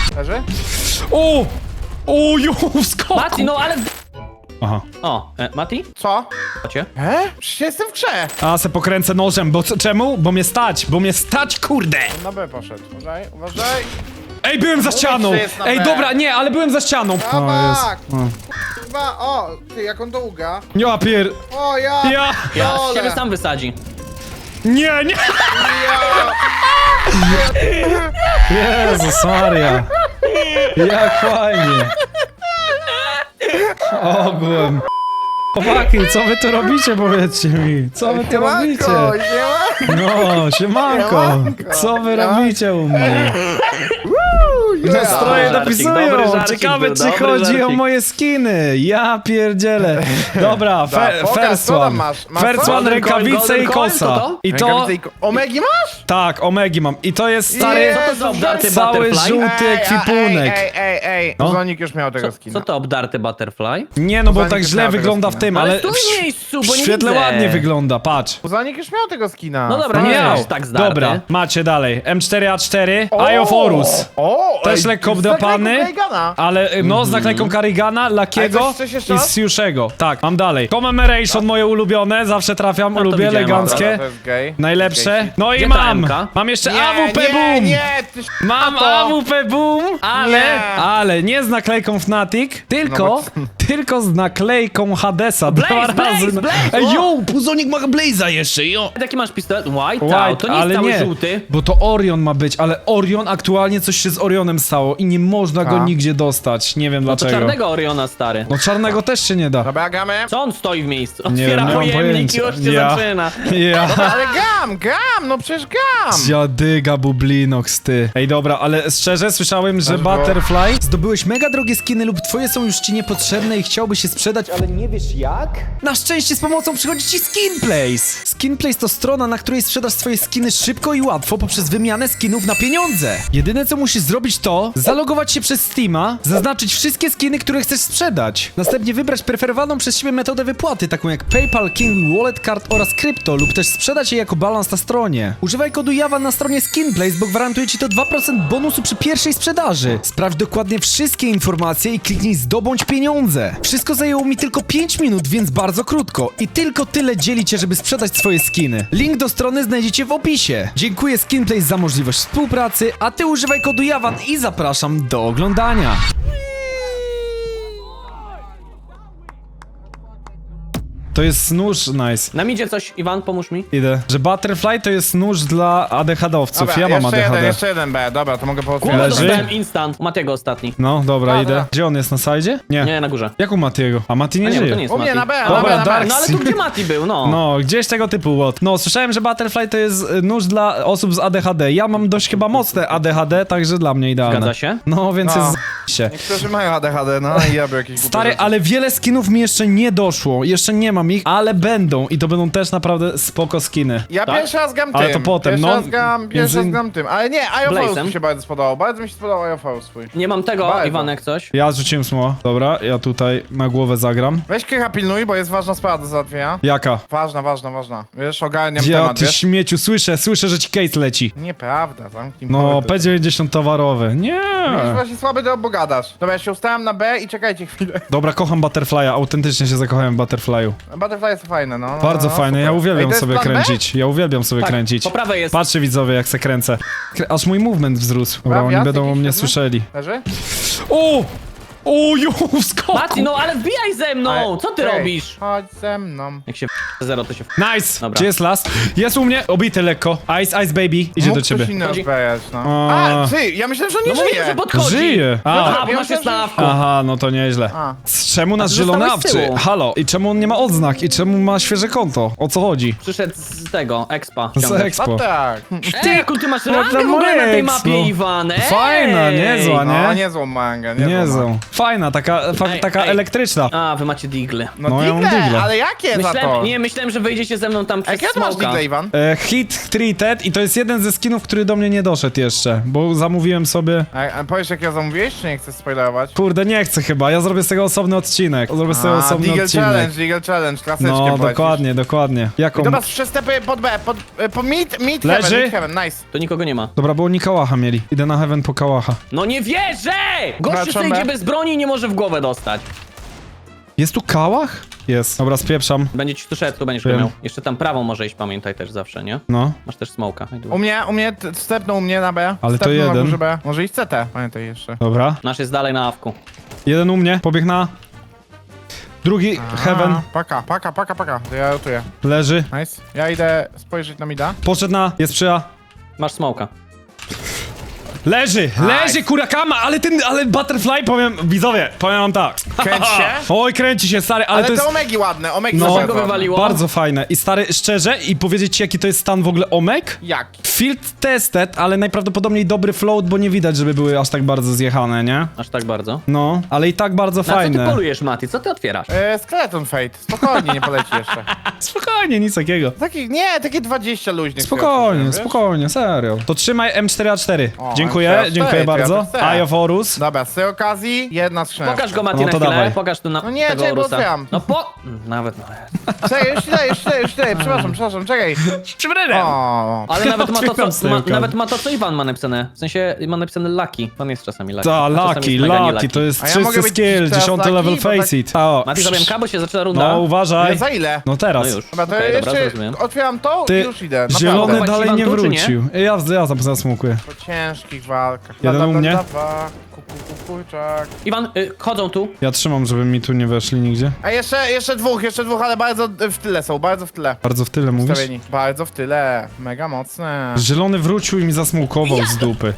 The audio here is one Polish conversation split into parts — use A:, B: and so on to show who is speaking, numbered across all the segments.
A: Leży?
B: O! O, jo, skok!
C: Mati, no ale...
B: Aha.
C: O, Mati?
A: Co?
C: Chodźcie.
A: Przecież jestem w grze.
B: A, se pokręcę nożem, bo czemu? Bo mnie stać, kurde!
A: Na B poszedł. Uważaj.
B: Ej, byłem za ścianą!
A: że jest na
B: Ej,
A: B.
B: dobra, nie, ale byłem za ścianą.
A: Tabak!
B: O.
A: Chyba, o, ty, jak on to uga.
B: Ja pier...
A: O, ja.
B: Ja...
C: Ja
A: Dole.
C: ciebie sam wysadzi.
B: Nie, nie! Jezus Maria. Jak fajnie. Ogółem. Chłopaki, co wy tu robicie, powiedzcie mi? Co wy tu robicie? No, siemanko.
A: Siemanko.
B: Co wy robicie u mnie? Nastroje
C: Dobry
B: dopisują.
C: żarcik
B: Ciekawe,
C: był,
B: czy
C: dobry
B: chodzi o
C: żarcik.
B: moje skiny. Ja pierdzielę. Dobra,
A: pokaż,
B: first
A: co tam
B: one.
A: masz? Masz
B: First
A: co?
B: one,
C: Golden coin,
B: rękawice
C: golden
B: i
C: coin,
B: kosa.
C: to?
B: I to...
A: Omegi masz?
B: Tak, omegi mam. I to jest stary...
A: Jezu,
C: Co to za obdarty
B: Cały
C: butterfly?
B: żółty ekwipunek.
A: Ej.
B: No.
A: Zonik już miał tego skina.
C: Co to obdarty butterfly?
B: Nie, no bo
A: Zanik
B: tak
A: już
B: źle
A: miał tego
B: wygląda w
A: skina.
B: tym,
C: Ale
B: ale
C: stój w miejscu, bo
B: w
C: nie
B: świetle
C: widzę.
B: ładnie wygląda, patrz.
A: Zonik już miał tego skina.
C: No dobra, nie
B: Miał.
C: jest tak zdarty.
B: Dobra, macie dalej. M4A4,
A: O!
B: Eye of Horus.
A: O!
B: Też
A: ej,
B: lekko
A: z
B: obdrapany,
A: naklejką Reagana.
B: ale no z naklejką Karigana, Lakiego
A: Ale coś jeszcze
B: i
A: raz?
B: Siuszego. Tak, mam dalej. Commemoration moje ulubione, zawsze trafiam,
C: to
B: lubię,
C: widziałem,
B: eleganckie.
A: To jest gay.
B: Najlepsze. No i
C: Gdzie ta
B: mam.
C: M-ka?
B: Mam jeszcze
A: Nie,
B: AWP
A: nie,
B: Boom.
A: nie, ty
B: Mam
A: to.
B: AWP Boom,
A: Nie.
B: ale nie z naklejką Fnatic, tylko,
A: No
B: tylko z naklejką Hadesa.
C: Blaze,
B: Dwa
C: Blaze,
B: razy.
C: Blaze,
B: Ej,
C: o!
B: yo, Puzonik ma Blaze'a jeszcze, yo.
C: Jaki masz pistolet? White, to nie jest
B: ale
C: cały
B: nie,
C: żółty.
B: bo to Orion ma być, ale Orion aktualnie coś się z Orionem stało i nie można go
A: A?
B: nigdzie dostać. Nie wiem
C: No to
B: dlaczego.
C: czarnego Oriona, stary.
B: No czarnego też się nie da.
A: Dobra, gamy.
C: Co on stoi w miejscu?
B: Nie
C: Otwiera
B: wiem, nie mam
C: pojemnik i
B: pojęcia.
C: już się
B: Ja.
C: zaczyna.
B: Ja.
A: Ale gam, no przecież gam.
B: Dziadyga Bublinox, ty. Ej, dobra, ale szczerze słyszałem, że
A: Też było.
B: Butterfly... Zdobyłeś mega drogie skiny lub twoje są już ci niepotrzebne i chciałbyś się sprzedać, ale nie wiesz jak? Na szczęście z pomocą przychodzi ci Skinplace. Skinplace to strona, na której sprzedasz swoje skiny szybko i łatwo poprzez wymianę skinów na pieniądze. Jedyne co musisz zrobić to zalogować się przez Steama, zaznaczyć wszystkie skiny, które chcesz sprzedać. Następnie wybrać preferowaną przez siebie metodę wypłaty, taką jak PayPal, King, Wallet Card oraz krypto lub też sprzedać je jako balans na stronie. Używaj kodu JAWA na stronie Skinplace, bo gwarantuje ci to 2% bonusu przy pierwszej sprzedaży. Sprawdź dokładnie wszystkie informacje i kliknij zdobądź pieniądze. Wszystko zajęło mi tylko 5 minut, więc bardzo krótko. I tylko tyle dzieli cię, żeby sprzedać swoje skiny. Link do strony znajdziecie w opisie. Dziękuję Skinplace za możliwość współpracy, a ty używaj kodu JAWAN i zapraszam do oglądania. To jest nóż, nice.
C: Nam idzie coś, Iwan, pomóż mi.
B: Idę. Że Butterfly to jest nóż dla ADHD-owców.
A: Dobra,
B: Ja mam
A: jeszcze
B: ADHD.
A: jeden, jeszcze jeden B, dobra, to mogę
C: Kurwa,
A: pootwierać.
B: Leży?
C: dostałem instant. Matiego ostatni.
B: No, dobra,
A: A,
B: idę.
A: dobra.
B: Gdzie on jest, na sajdzie? Nie.
C: Nie, na górze.
B: Jak u Matiego? A Mati nie
C: A nie, bo
B: żyje.
C: to nie jest
A: U mnie
C: Mati.
A: na B,
B: Dobra,
A: na B, na B.
B: Dark.
C: No ale tu gdzie Mati był, no.
B: No, gdzieś tego typu łot. No, słyszałem, że Butterfly to jest nóż dla osób z ADHD. Ja mam dość chyba mocne ADHD, także dla mnie idealne.
C: Zgadza się?
B: No, więc
A: No.
B: jest się.
A: Niektórzy mają ADHD, no i ja bym jakieś
B: Stary, ale wiele skinów mi jeszcze nie doszło. Jeszcze nie mam ich, ale będą. I to będą też naprawdę spoko skiny.
A: Ja
C: Tak?
A: pierwszy raz gram tym.
B: Ale to potem,
A: pierwszy
B: no.
A: Raz pierwszy raz gram tym. Ale nie,
C: Blazem.
A: IOFOS mi się bardzo spodobał. Bardzo mi się spodobał IOFOS swój.
C: Nie mam tego,
A: Bardzo.
C: Iwanek, coś.
B: Ja rzuciłem smoła. Dobra, ja tutaj na głowę zagram.
A: Weź Kycha pilnuj, bo jest ważna sprawa do załatwienia.
B: Jaka?
A: Ważna. Wiesz, ogarniam
B: Ja,
A: temat,
B: ty
A: wiesz?
B: śmieciu, słyszę, że ci case leci.
A: Nieprawda, zamknij
B: No,
A: mordę.
B: P90 towarowy. Nie.
A: Jest właśnie słaby, to bogadasz. Dobra, ja się ustałem na B i czekajcie chwilę.
B: Dobra, kocham Butterfly'a, autentycznie się zakochałem w Butterfly'u.
A: Butterfly jest fajne, no.
B: Bardzo
A: no,
B: fajne, ja
A: super. Ej,
B: uwielbiam
A: to jest
B: sobie
A: plan B?
B: kręcić. Ja uwielbiam sobie
C: Tak,
B: kręcić.
C: po prawej jest.
B: Patrzcie widzowie, jak se kręcę. Aż mój movement wzrósł. Dobra, oni
A: Wjazd
B: będą o
A: jakiś
B: mnie
A: pewny?
B: słyszeli.
A: Leży?
B: O! O, jo, skok!
C: Mati, no ale wbijaj ze mną! Co ty
A: Ej,
C: robisz?
A: Chodź ze mną.
C: Jak się zero, to się
B: Nice!
C: Dobra.
B: Gdzie jest last? Jest u mnie, obity lekko. Ice baby, idzie
A: Mógł
B: do ciebie.
A: ktoś inny
C: Chodzi.
A: odbijać, no.
B: A.
A: A, ty, ja myślałem, że on
C: No
A: nie
C: mówię,
A: żyje.
C: że podchodzi.
B: Żyje!
C: No
B: A.
C: tak, bo masz jest na awku.
B: Aha, no to nieźle.
A: A.
B: Czemu nasz
C: ty
B: zielony
C: zostałeś z
B: awczy?
C: tyłu.
B: Halo, i czemu on nie ma odznak? I czemu ma świeże konto? O co chodzi?
C: Przyszedł z tego, expa.
B: Z
C: ściągać.
B: Expo.
A: A tak.
C: Ej, jaką ty masz rangę
B: to
C: w ogóle na tej
B: Max,
C: mapie,
B: no.
C: Iwan? Ej!
B: Fajna, niezła,
A: No,
B: nie?
A: niezłą mangę,
B: Niezłą. Fajna, taka
C: ej.
B: elektryczna.
C: A, wy macie digle.
B: No, ja mam
A: digle,
B: digle.
A: ale jakie za to?
C: Myślałem, że wyjdziecie ze mną tam
A: A
C: przez
A: jakie ty masz
C: smoka.
A: digle, Iwan?
B: Hit treated i to jest jeden ze skinów, który do mnie nie doszedł jeszcze, bo zamówiłem sobie...
A: A powiesz, jak ja zamówiłeś, czy nie chcesz spoilerować?
B: Kurde, nie chcę chyba, ja zrobię z tego osobny odcinek. Zrobię z tego osobny
A: Deagle
B: odcinek.
A: Challenge, klasyczkiem
B: No,
A: polecisz.
B: dokładnie. Jaką...
A: Dobra, przestępuję pod B, po mid
B: Leży?
A: heaven, nice.
C: To nikogo nie ma.
B: Dobra, bo oni kałacha mieli. Idę na heaven po kałacha.
C: No nie wierzę! Gościu
A: Wracam
C: sobie
A: B.
C: idzie bez broni i nie może w głowę dostać.
B: Jest tu kałach? Jest. Dobra, spieprzam.
C: Będzie ci tu szedł, tu będziesz go
B: Wiem.
C: miał. Jeszcze tam prawą może iść, pamiętaj też zawsze, nie?
B: No.
C: Masz też smoka.
A: U mnie, stepnął u mnie na B.
B: Ale to
A: Stepnął na
B: jeden.
A: górze B. Może iść CT, pamiętaj jeszcze.
B: Dobra.
C: Nasz jest dalej na awku.
B: Jeden u mnie, pobieg na... Drugi, heaven,
A: Paka. To ja rotuję.
B: leży.
A: Nice. Ja idę spojrzeć na mida.
B: Poszedł na... Jest przyja.
C: Masz smoka.
B: Leży, kurakama, ale Butterfly, widzowie, powiem wam tak.
A: Kręć się.
B: Oj, kręci się, stary, ale
A: Ale
B: to
A: te
B: jest...
A: omegi ładne, omegi
B: No.
A: są
C: Dlaczego
A: ładne.
C: wywaliło?
B: Bardzo fajne. I stary, szczerze, i powiedzieć ci, jaki to jest stan w ogóle omek?
A: Jak?
B: Field tested, ale najprawdopodobniej dobry float, bo nie widać, żeby były aż tak bardzo zjechane, nie?
C: Aż tak bardzo.
B: No, ale i tak bardzo
C: Na co ty
B: fajne.
C: polujesz, Mati? Co ty otwierasz?
A: Skeleton Fate. Spokojnie, nie poleci jeszcze.
B: Spokojnie, nic takiego.
A: Takie 20 luźnych.
B: Spokojnie, serio. To trzymaj M4A4.
A: O,
B: Dziękuję,
A: M4A4,
B: dziękuję
A: to ja
B: bardzo.
A: też chcę.
B: Eye of Horus.
A: Dobra, z tej okazji jedna skrzynka.
C: Pokaż go, Mati,
B: No
C: na
B: to
C: chwilę.
B: dawaj.
C: Pokaż tu na
A: No nie,
C: tego
A: czekaj, bo
C: Orusa.
A: otwieram.
C: No nawet.
A: Czekaj, już idę, przepraszam, czekaj.
B: Przybredem.
A: O,
C: Ale nawet ma to,
B: Otwieram z tej
C: co,
B: okazji.
C: nawet ma to, co Iwan ma napisane. W sensie ma napisane Lucky. Pan jest czasami Lucky.
B: Ta,
C: a czasami
B: Lucky,
C: jest mega nie
B: Lucky, to jest
A: A ja
B: czysty
A: mogę być
B: skill,
A: teraz
B: 10
A: Lucky,
B: level
A: bo tak-
B: face it. O,
C: Mati, zrobiłem bo się zaczyna runda.
B: no uważaj.
A: za ile?
B: No teraz.
C: No już.
A: Dobra, to
C: Okej, dobra,
A: jeszcze
C: zrozumiem.
A: otwieram to
B: Ty,
A: i już idę. Naprawdę.
B: zielony
C: Chować
B: dalej
C: Iwan
B: nie
C: tu, czy nie?
B: wrócił. Ja tam zasmukuję.
A: Po ciężkich walkach.
B: Jeden u mnie.
A: Kurczak.
C: Iwan, chodzą tu.
B: Ja trzymam, żeby mi tu nie weszli nigdzie.
A: A jeszcze dwóch, ale bardzo w tyle są, bardzo w tyle.
B: Bardzo w tyle mówisz?
A: Stawieni. Bardzo w tyle, mega mocne.
B: Zielony wrócił i mi zasmukował z dupy.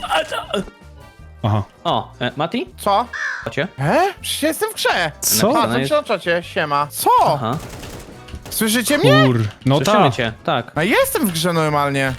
B: Aha.
C: O, Mati?
A: Co?
C: Chodźcie.
A: Przecież jestem w grze.
B: Co?
A: A,
C: No
A: co
C: jest-
A: ci na czacie? Siema. Co?
C: Aha.
A: Słyszycie mnie?
B: Kur. No
C: Słyszymy
B: tak.
C: cię. Tak.
A: A jestem w grze normalnie.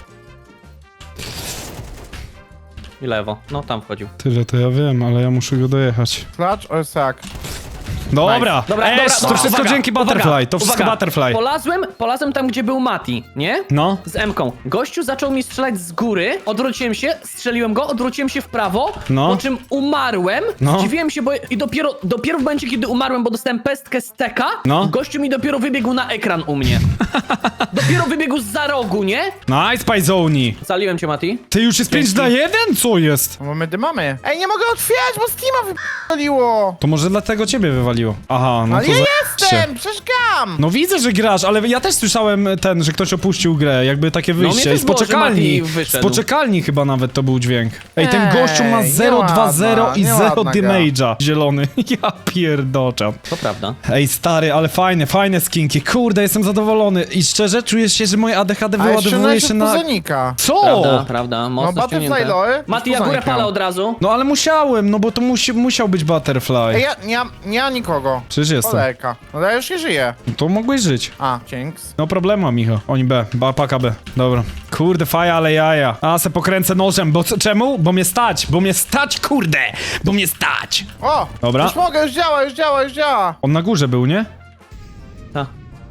C: I lewo. No, tam wchodził.
B: Tyle to ja wiem, ale ja muszę go dojechać.
A: Clutch or sack?
B: Dobra,
C: Dobra,
B: to wszystko
C: uwaga,
B: dzięki Butterfly,
C: uwaga,
B: to wszystko
C: uwaga.
B: Butterfly.
C: Polazłem tam, gdzie był Mati, nie?
B: No.
C: Z M-ką. Gościu zaczął mi strzelać z góry, odwróciłem się, strzeliłem go, odwróciłem się w prawo,
B: No.
C: po czym umarłem,
B: No.
C: zdziwiłem się, bo i dopiero w momencie, kiedy umarłem, bo dostałem pestkę z teka,
B: No.
C: gościu mi dopiero wybiegł na ekran u mnie. Dopiero wybiegł zza rogu, nie?
B: Nice, Pajzoni.
C: Zaliłem cię, Mati.
B: Ty już jest 5 na 1? Co jest?
A: No bo my dymamy. Ej, nie mogę otwierać, bo Steama wypaliło.
B: To może dlatego ciebie wywaliło. Aha, no
A: Ale
B: to
A: ja
B: za-
A: jestem, przecież gram.
B: No widzę, że grasz, ale ja też słyszałem że ktoś opuścił grę, jakby takie
C: mnie
B: wyjście.
C: też
B: Z
C: było, że
B: poczekalni.
C: Mati
B: Z
C: wyszedł.
B: poczekalni chyba nawet to był dźwięk. Ej, ten
A: Ej,
B: gościu ma 0,2,0 i
A: nieładna
B: 0
A: gra.
B: damage'a. Zielony. Ja pierdoczam.
C: To prawda.
B: Ej, stary, ale fajne skinki. Kurde, jestem zadowolony. I szczerze, czuję się, że moje ADHD
A: A jeszcze
B: wyładowuje
A: się
B: się na...
A: Pozonika.
B: Co?
C: Prawda,
A: No
C: mocno
A: Butterfly
C: ściągnięte.
A: Lore.
C: Mati, ja górę palę od razu.
B: No ale musiałem, no bo to musiał być Butterfly.
A: Ej, ja nie mam nikogo.
B: Przecież jestem.
A: Kolejka. No ja już nie żyję.
B: No to mogłeś żyć.
A: A, dzięks.
B: No problemu, Micho. Oni B. Paka B. Dobra. Kurde, faja, ale jaja. A, se pokręcę nożem, bo czemu? Bo mnie stać, kurde! Bo mnie stać!
A: O!
B: Dobra.
A: Już mogę, już działa.
B: On na górze był, nie?
C: Ta.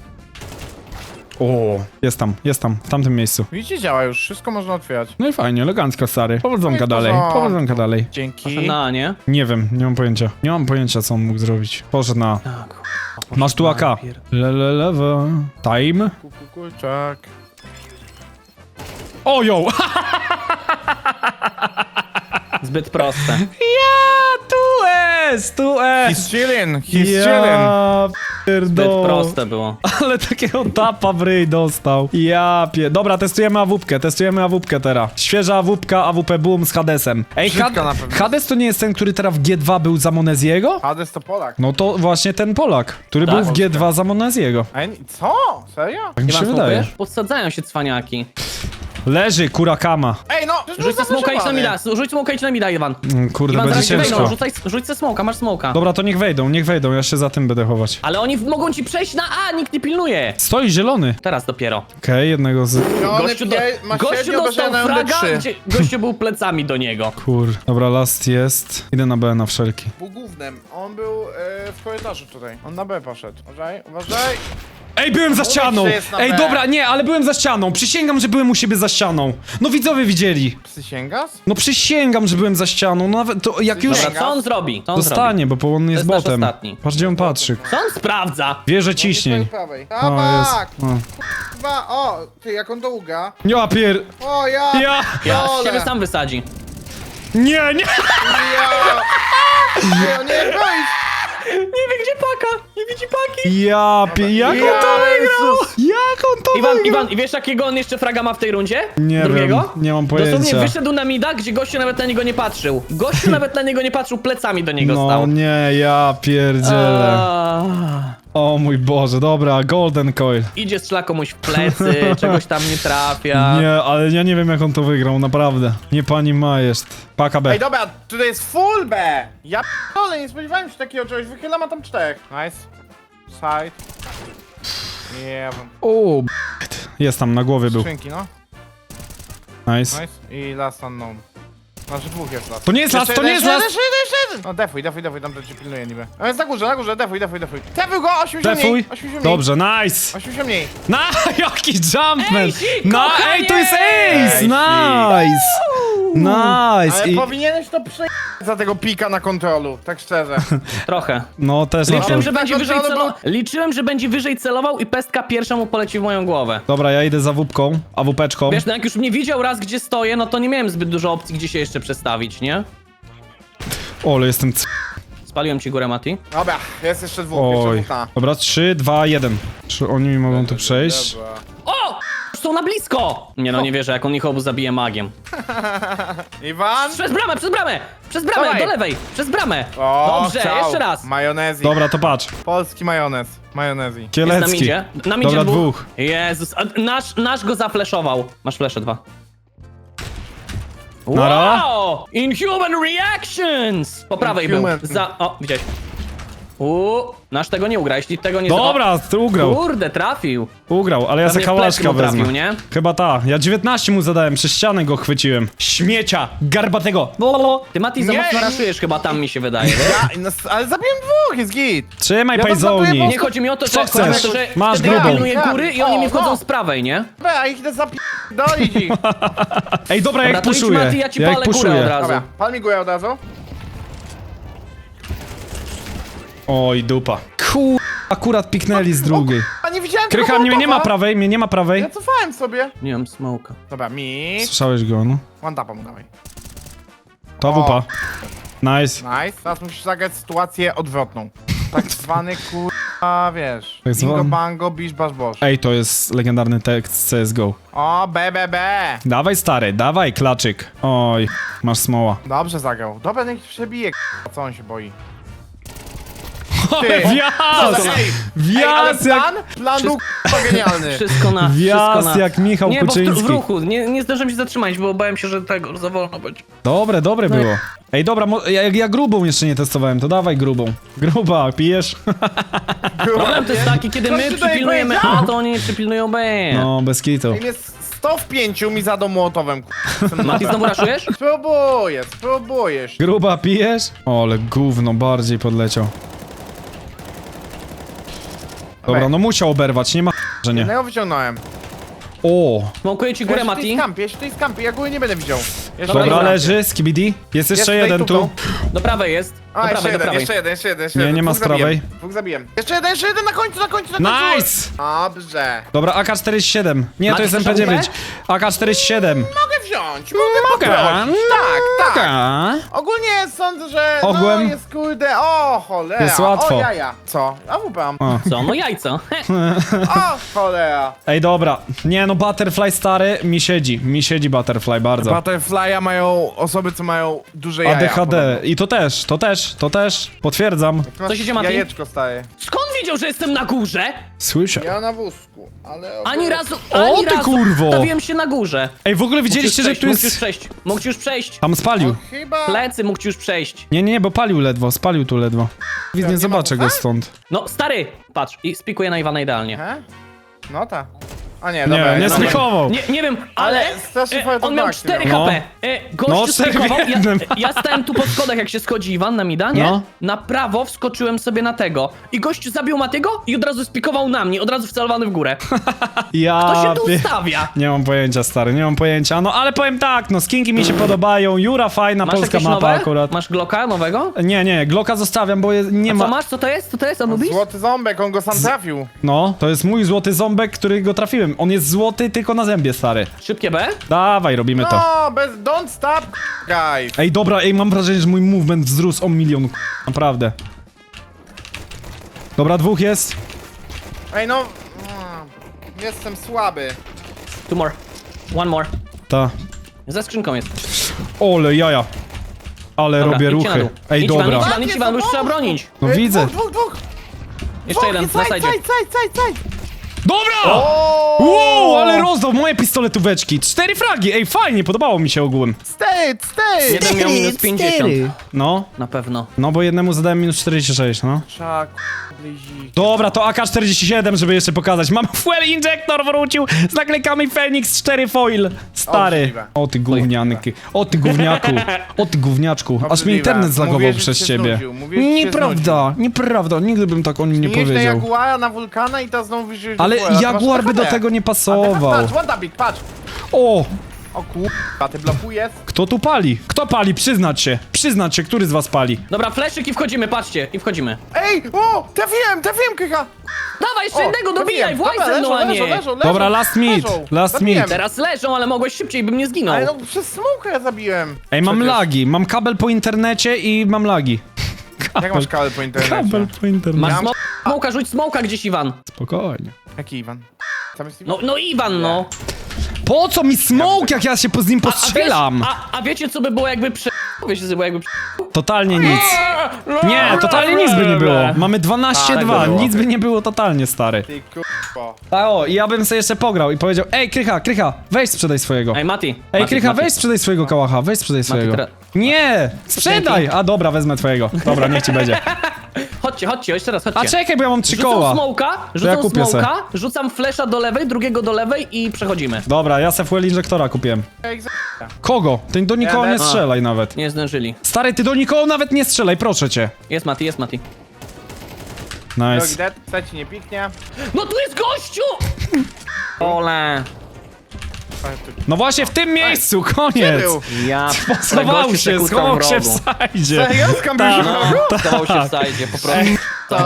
B: O, jest tam, w tamtym miejscu.
A: Widzicie, działa już, wszystko można otwierać.
B: No i fajnie, elegancko, stary. Powodzonka
A: No i
B: dalej,
A: porządku.
B: powodzonka dalej.
A: Dzięki.
C: Na, nie?
B: Nie wiem, nie mam pojęcia. Nie mam pojęcia, co on mógł zrobić. Poszedł na...
C: Tak.
B: Masz tu AK. Lewe. Time.
A: Kurczak.
B: Ojo!
C: Zbyt proste.
B: Ja, tu
A: He's
B: jest!
A: chillin', he's chillin'.
B: Ja
C: Zbyt
B: pierdolę.
C: proste było.
B: Ale takiego tapa w ryj dostał. Dobra, testujemy AWP teraz. Świeża AWP Boom z Hadesem. Ej,
A: Brzydka na pewno.
B: Hades to nie jest ten, który teraz w G2 był za Moneziego?
A: Hades to Polak.
B: No to właśnie ten Polak, który
C: Tak.
B: był w G2 za Moneziego.
A: Ej, co? Serio?
B: Tak mi się
C: Iwan,
B: wydaje.
C: smokujesz? Podsadzają się cwaniaki.
B: Leży, kurakama.
A: Ej, no!
C: Rzuć se smoka, idź na mida, rzuć smoka, idź na mida, Iwan.
B: Kurde,
C: Iwan,
B: będzie
C: zaraz ci wejdą,
B: ciężko.
C: rzuć se smoka, masz smoka.
B: Dobra, to niech wejdą, ja się za tym będę chować.
C: Ale oni mogą ci przejść na A, nikt nie pilnuje.
B: Stoi zielony.
C: Teraz dopiero.
B: Okej, jednego z...
C: Gościu dostał fraga, gdzie gościu był plecami do niego.
B: Kur... Dobra, last jest. Idę na B na wszelki.
A: Był głównym. On był w korytarzu tutaj. On na B poszedł. Uważaj.
B: Ej, byłem za ścianą!
A: że jest na
B: Ej,
A: B.
B: dobra, nie, ale byłem za ścianą. Przysięgam, że byłem u siebie za ścianą. No widzowie widzieli.
A: Przysięgasz?
B: No przysięgam, że byłem za ścianą. No nawet to jak już...
C: Dobra, co on zrobi? Co on zrobi?
B: Dostanie, bo on jest
C: To jest nasz
B: botem.
C: ostatni.
B: Patrz, gdzie on patrzy.
C: Co on sprawdza?
B: Wieże ciśnień.
A: prawej.
B: O,
A: Tabak!
B: jest. O.
A: O, ty, jak on to uga.
B: Ja pier...
A: O, ja!
B: Ja...
C: Ja
A: Dole.
C: siebie sam wysadzi.
B: Nie!
A: Ja! Nie, nie, wejdź!
C: Nie wie gdzie paka, nie widzi paki.
B: Jak on to wygrał?
A: Jezus.
B: Jak on to wygrał?
C: Iwan, i wiesz jakiego on jeszcze fraga ma w tej rundzie?
B: Nie
C: Drugiego?
B: wiem, nie mam
C: Dosłownie
B: pojęcia.
C: wyszedł na mida, gdzie gościu nawet na niego nie patrzył. Gościu nawet na niego nie patrzył, plecami do niego
B: No
C: stał.
B: nie, ja pierdzielę. O mój Boże, dobra, Golden Coil.
C: Idzie, strzela komuś w plecy, czegoś tam nie trafia.
B: Nie, ale ja nie wiem jak on to wygrał, naprawdę. Nie pani majeszt. Paka B.
A: Ej, dobra, tutaj jest full B! Ja p***dolę, nie spodziewałem się takiego czegoś. Wychylam, a tam 4. Nice. Side. Nie wiem.
B: O, jest tam, na głowie był.
A: Skrzynki, no.
B: Nice.
A: Nice. I last unknown. Znaczy dwóch jest last.
B: To nie jest last, to nie jest last!
A: Jeszcze jeden! No defuj, tam to cię pilnuje niby. On jest na górze, defuj. Defuj go, 80
B: Defuj.
A: mniej! 80 mniej!
B: Dobrze, nice.
A: 80 mniej!
B: Na, jaki jumpman!
C: Ejsik,
B: No,
C: kochanie!
B: ej, to jest ace!
A: Ejsik.
B: Nice! Nice!
A: Ale
B: I,
A: powinieneś to prze... za tego pika na kontrolu, tak szczerze.
C: Trochę.
B: no, też na
C: Liczyłem,
B: to.
C: że będzie
A: Tak,
C: wyżej
A: ale
C: celował. Liczyłem, że będzie wyżej celował i pestka pierwsza mu poleci w moją głowę.
B: Dobra, ja idę za wupką, AWP-czką.
C: Wiesz, no jak już mnie widział raz, gdzie stoję, no to nie miałem zbyt dużo opcji, gdzie się jeszcze przestawić, nie?
B: O, ale jestem
C: Spaliłem ci górę, Mati.
A: Dobra, jest jeszcze dwóch, jeszcze
B: Oj.
A: dwóch na.
B: Dobra, 3, 2, 1. Czy oni mi mogą tu przejść?
A: Dobra.
C: O! Już są na blisko! Nie no, nie wierzę, jak on ich obu zabije magiem.
A: Iwan?
C: Przez bramę, przez bramę! Przez bramę,
A: Dawaj.
C: do lewej! Przez bramę!
A: O,
C: Dobrze,
A: chciał.
C: jeszcze raz!
A: Majonezji.
B: Dobra, to patrz.
A: Polski majonez. Majonezji.
C: Jest na
B: Kielecki.
C: midzie. Na midzie
B: Dobra,
C: dwóch.
B: dwóch.
C: Jezus, a nasz go zafleszował. Masz flesze 2.
B: Nara.
C: Wow! Inhuman reactions! Po prawej
A: Inhuman.
C: był. O, widziałeś. Nasz tego nie ugra, jeśli tego nie
B: Dobra, ugrał.
C: Kurde, trafił.
B: Ugrał, ale ja
C: Pewnie
B: se
C: w plecy
B: kałaszka
C: mu trafił,
B: wezmę.
C: nie?
B: Chyba ta. Ja 19 mu zadałem, przez ścianę go chwyciłem. Śmiecia, garbatego.
C: Ty, Mati, za
A: Nie.
C: mocno raszujesz chyba tam, mi się wydaje. wiesz?
A: No, ale zabiłem dwóch, jest git.
B: Trzymaj
A: Ja
B: pajzoni.
A: podlatuję
C: Nie chodzi mi o to,
B: Co
C: że, chodzi mi o
B: chcesz?
C: to, że
B: Masz
C: wtedy ja
B: grubą.
C: pilnuję góry i oni mi wchodzą
A: no.
C: z prawej, nie?
A: Dobra, a ich idę dolić ich.
B: Ej, dobra,
C: Dobra,
B: jak
C: to idź,
B: puszuję.
C: Mati, ja ci
B: jak
C: palę górę
B: puszuję.
C: od razu.
A: Dobra, pal mi górę od razu.
B: Oj, dupa. Akurat piknęli z drugiej.
A: A nie widziałem
B: Krycha,
A: tego
B: mnie nie ma
A: Mołotowa.
B: prawej, mnie nie ma prawej.
A: Ja cofałem sobie.
C: Nie mam smoka.
A: Dobra, mi.
B: Słyszałeś go, no.
A: One tapa mu dawaj.
B: To wupa. Nice.
A: Nice. Teraz musisz zagrać sytuację odwrotną. Tak zwany kurwa, wiesz.
B: Tak zwany-
A: Bingo bango, bisz basz bosz.
B: Ej, to jest legendarny tekst z CSGO.
A: O, B.
B: Dawaj stary, dawaj klaczyk. Oj, masz smoła.
A: Dobrze zagrał. Dobra, niech przebije k***a, co on się boi. Ty.
B: Wjazd!
A: Ej, ale
B: Wjazd jak...
A: plan był k***a genialny.
C: Wszystko na...
B: Wjazd
C: wszystko na...
B: jak Michał
C: Nie, bo
B: Kuczyński.
C: w ruchu, nie zdążyłem się zatrzymać, bo bałem się, że tego za wolno będzie.
B: Dobre było. Ej, dobra, ja grubą jeszcze nie testowałem, to dawaj grubą. Gruba, pijesz?
C: Problem to jest taki, kiedy
A: Coś
C: my
A: tutaj
C: przypilnujemy
A: powiedział.
C: A, to oni nie przypilnują B.
B: No, bez kitu.
A: Im jest 100 w 5 mi zadał młotowem k***a.
C: Mati, znowu raszujesz?
A: Spróbujesz.
B: Gruba, pijesz? O, ale gówno, bardziej podleciał. Dobra, no musiał oberwać, nie ma że nie.
A: Jednego wyciągnąłem.
B: O,
C: Smokuję ci górę,
A: Ja
C: Mati.
A: się tutaj skampię, ja góry nie będę widział. Jeszcze
B: dobra,
A: jeden.
B: leży, skibidi. Jest jeszcze
A: tutaj
B: jeden tu.
C: Do prawej jest. Do
A: A,
C: prawej, do prawej.
A: jeszcze jeden.
B: Nie, nie ma
A: Dwóch
B: z prawej.
A: zabiłem. Dwóch zabiłem. Jeszcze jeden, na końcu.
B: Nice!
A: Dobrze.
B: Dobra, AK-47. Nie, to
C: Macie
B: jest
C: słyszał
B: MP9. AK-47.
A: Mogę wziąć,
B: Mogę.
A: poprosić. Tak.
B: Taka.
A: Ogólnie sądzę, że
B: Ogółem.
A: no jest kurde, o cholera.
B: Jest łatwo.
A: O jaja. Co? A wupam.
B: O.
C: Co? No jajco.
A: O cholera.
B: Ej, dobra. Nie, no Butterfly stary, mi siedzi Butterfly bardzo.
A: Butterfly'a mają osoby, co mają duże jaja.
B: ADHD. I to też. Potwierdzam.
A: Ty masz
C: Co się dzieje, Mati?
A: Jajeczko staje.
C: Skąd wiedział, że jestem na górze.
B: Słyszę.
A: Ja na wózku, ale...
C: Ani razu,
B: O,
C: ani
B: ty
C: razu
B: kurwo!
C: stawiłem się na górze.
B: Ej, w ogóle widzieliście, że tu
C: Mógł już
B: jest...
C: przejść, mógł już przejść.
B: Tam spalił.
A: Chyba...
C: Plecy mógł już przejść.
B: Nie, bo palił ledwo, spalił tu ledwo. Widz, nie
A: nie
B: zobaczę
A: ma
B: go
A: ucha?
B: stąd.
C: No, stary, patrz, i spikuję na Iwana idealnie.
A: He? No ta. A nie, dobra.
B: Nie, nie
A: dobra.
B: spikował.
C: Nie wiem, ale
A: strasznie fajnie to
C: on miał
A: tak,
C: 4
B: no.
C: HP.
B: No,
C: Gościu
B: 4 w
C: spikował,
B: jednym.
C: ja stałem tu po schodach, jak się schodzi Iwan na mida, nie?
B: No.
C: Na prawo wskoczyłem sobie na tego. I gościu zabił Matiego i od razu spikował na mnie, od razu wcelowany w górę.
B: Ja...
C: To się tu
B: pie-
C: ustawia.
B: Nie mam pojęcia, stary, nie mam pojęcia. No ale powiem tak, no skinki mi się podobają, Jura fajna,
C: Masz
B: polska
C: jakieś
B: mapa
C: nowe?
B: akurat.
C: Masz Glocka nowego?
B: Nie, Glocka zostawiam, bo nie
C: Co
B: ma...
C: masz? Co to jest? Co to jest, Anubis?
A: Złoty ząbek, on go sam trafił.
B: No, to jest mój złoty ząbek, który go trafiłem. On jest złoty tylko na zębie, stary.
C: Szybkie B?
B: Dawaj, robimy to.
A: No, bez... Don't stop, guys.
B: Ej, dobra, mam wrażenie, że mój movement wzrósł o 1 milion, naprawdę. Dobra, 2 jest.
A: Ej, no... Jestem słaby.
C: 2 more. 1 more.
B: Ta.
C: Za skrzynką jest.
B: Ole jaja. Ale
C: Dobra,
B: robię
C: idźcie na
B: ruchy.
C: dół.
B: Ej,
C: Idź Iwan,
B: dobra.
C: idź Iwan, idź Iwan, bo już trzeba bronić.
B: No
A: Ej,
B: widzę.
A: Dwóch.
C: Jeszcze jeden, na sajdzie.
A: Side.
B: Dobra! Wow, ale rozdał moje pistoletóweczki. 4 fragi, ej, fajnie, podobało mi się ogółem.
A: Stay.
C: Jeden miał minus 50.
B: No,
C: Na pewno.
B: no bo jednemu zadałem minus 46, no.
A: Trzeba, blizik.
B: Dobra, to AK-47, żeby jeszcze pokazać. Mam fuel injector, wrócił z naklejkami Phoenix 4 foil. Stary.
A: Obrzydliwe.
B: O ty gównianki. O ty gówniaku. O ty gówniaczku. Aż mi
A: Obrzydliwe.
B: internet zlagował
A: Mówiłeś, że
B: przez
A: się
B: ciebie.
A: znudził. Mówiłeś, że się
B: Nieprawda, nieprawda. Nigdy bym tak o nim nie
A: Mieliśmy
B: powiedział.
A: Jaguara na wulkana i teraz znowu wyjdziesz
B: Ale Jaguar by do tego nie pasował.
A: Patrz, Wondabik, patrz.
B: O!
A: O kurwa, ty blokujesz?
B: Kto tu pali? Kto pali? Przyznać się. Przyznać się, który z was pali?
C: Dobra, fleszyk i wchodzimy, patrzcie, i wchodzimy.
A: Ej, o, trafiłem, Krycha.
C: Dawaj, jeszcze
A: O,
C: jednego, dobijaj,
A: trafiłem.
C: właź ze mną, a nie.
A: Leżą.
B: Dobra, last meet,
A: leżą.
B: last
A: Zabiłem.
B: meet.
C: Teraz leżą, ale mogłeś szybciej, bym nie zginął.
A: Ale no przez smoke ja zabiłem.
B: Ej, mam
A: Przecież.
B: lagi. Mam kabel po internecie i mam lagi.
A: Jak masz kabel po internecie?
B: Kabel po internecie.
C: Masz
A: Mam-
C: smoka, rzuć smoka gdzieś, Iwan.
B: Spokojnie.
A: Jaki Iwan? Tam jest Iwan?
C: No Iwan, no.
B: Po co mi smoke, jak ja się z nim postrzelam?
C: A wiecie, co by było jakby Wiecie, co by było jakby
B: Totalnie nic. Nie, totalnie nic by nie było. Mamy 12-2,
A: tak by było.
B: nic by nie było totalnie, stary.
A: Ty kurwa.
B: A o, i ja bym sobie jeszcze pograł i powiedział: ej, Krycha, weź sprzedaj swojego.
C: Ej, Mati.
B: Ej,
C: Mati,
B: Krycha,
C: Mati.
B: weź sprzedaj swojego kałacha, weź sprzedaj swojego.
C: teraz-
B: Nie, sprzedaj! A dobra, wezmę twojego. Dobra, niech ci będzie.
C: Chodźcie, jeszcze raz, chodźcie.
B: A czekaj, bo ja mam 3
C: Rzucam
B: koła.
C: smoka,
B: ja kupię
C: rzucam flesza do lewej, drugiego do lewej i przechodzimy.
B: Dobra, ja se fuel injektora kupiłem.
A: Ej, za-
B: Kogo? Ty do nikogo nie
A: Jadę.
B: strzelaj nawet.
C: Nie zdążyli.
B: Stary, ty do nikogo nawet nie strzelaj, proszę cię.
C: Jest Mati.
A: Drogi
B: Nice.
A: dead, ci nie piknie.
C: No tu jest gościu! Ole.
B: No właśnie w tym miejscu,
A: Gdzie
B: koniec.
A: był?
C: Ja...
B: Schował
C: gościu
B: się,
C: sekundką
B: schował
C: w
B: się w
C: rogu.
B: sajdzie.
A: Serio? Skambił się
C: No, schował się w sajdzie, po prostu.
A: to.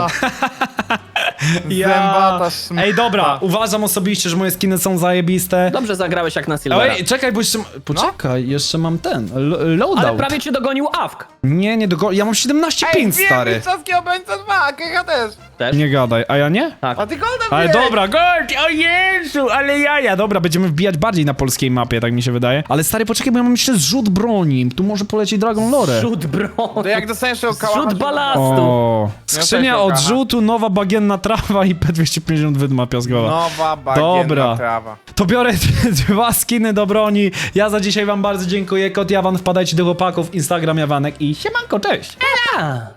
A: Zębata szmata.
B: Ej, dobra, uważam osobiście, że moje skiny są zajebiste.
C: Dobrze zagrałeś jak na Silvera.
B: Ej, czekaj, bo jeszcze... Poczekaj, jeszcze mam ten, loadout.
C: Ale prawie cię dogonił Awk.
B: Nie, ja mam 17 pin, stary.
A: Mistrzowski obrońca 2, Krycha też.
C: Też?
B: Nie gadaj, a ja nie?
C: Tak.
A: A ty golda
B: Ale
A: wbiłeś.
B: dobra, gold, o Jezu, ale jaja. Dobra, będziemy wbijać bardziej na polskiej mapie, tak mi się wydaje. Ale stary, poczekaj, bo ja mam jeszcze zrzut broni. Tu może polecieć Dragon Lore.
C: Rzut broni.
A: To jak dostaniesz tego kałacha...
C: Rzut
A: to-
C: balastu.
B: O,
A: też
B: skrzynia
A: się
B: odrzutu, nowa bagienna trawa i P250 wydma piaskowa.
A: Nowa bagienna
B: Dobra.
A: trawa.
B: To biorę 2 skiny do broni. Ja za dzisiaj wam bardzo dziękuję. Kot Jawan, wpadajcie do chłopaków, Instagram Jawanek i siemanko, cześć.
C: A.